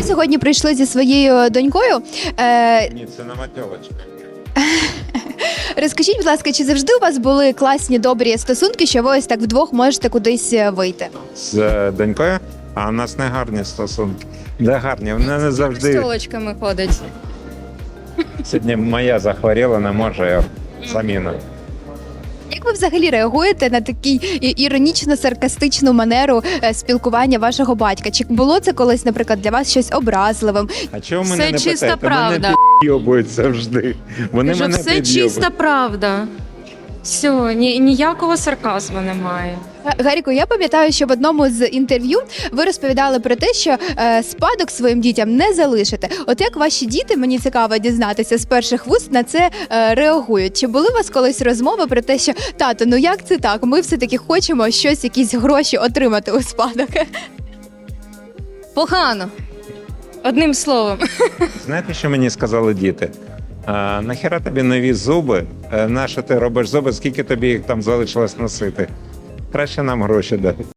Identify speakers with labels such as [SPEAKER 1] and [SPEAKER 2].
[SPEAKER 1] сьогодні прийшли зі своєю донькою.
[SPEAKER 2] Ні, це наматьовочка.
[SPEAKER 1] Розкажіть, будь ласка, чи завжди у вас були класні, добрі стосунки, що ви ось так вдвох можете кудись вийти?
[SPEAKER 2] З донькою? А у нас не гарні стосунки. Не гарні, вони не
[SPEAKER 3] З
[SPEAKER 2] завжди.
[SPEAKER 3] тілочками ходить.
[SPEAKER 2] Сьогодні моя захворіла, не може заміну.
[SPEAKER 1] Як ви взагалі реагуєте на такий іронічно-саркастичну манеру спілкування вашого батька? Чи було це колись, наприклад, для вас щось образливим?
[SPEAKER 2] А чого
[SPEAKER 3] Все
[SPEAKER 2] мене не
[SPEAKER 3] чиста
[SPEAKER 2] питаєте?
[SPEAKER 3] правда.
[SPEAKER 2] Мене під'єбують завжди. Вони
[SPEAKER 3] Кажу,
[SPEAKER 2] мене
[SPEAKER 3] все
[SPEAKER 2] під'єбують.
[SPEAKER 3] чиста правда. Все, ніякого сарказму немає.
[SPEAKER 1] Гаріку, я пам'ятаю, що в одному з інтерв'ю ви розповідали про те, що спадок своїм дітям не залишите. От як ваші діти, мені цікаво дізнатися, з перших вуст на це реагують? Чи були у вас колись розмови про те, що тато, ну як це так? Ми все-таки хочемо щось, якісь гроші отримати у спадок?
[SPEAKER 3] Погано. Одним словом.
[SPEAKER 2] Знаєте, що мені сказали діти? Нахіра тобі нові зуби? Нащо ти робиш зуби? Скільки тобі їх там залишилось носити? Краще нам гроші дати.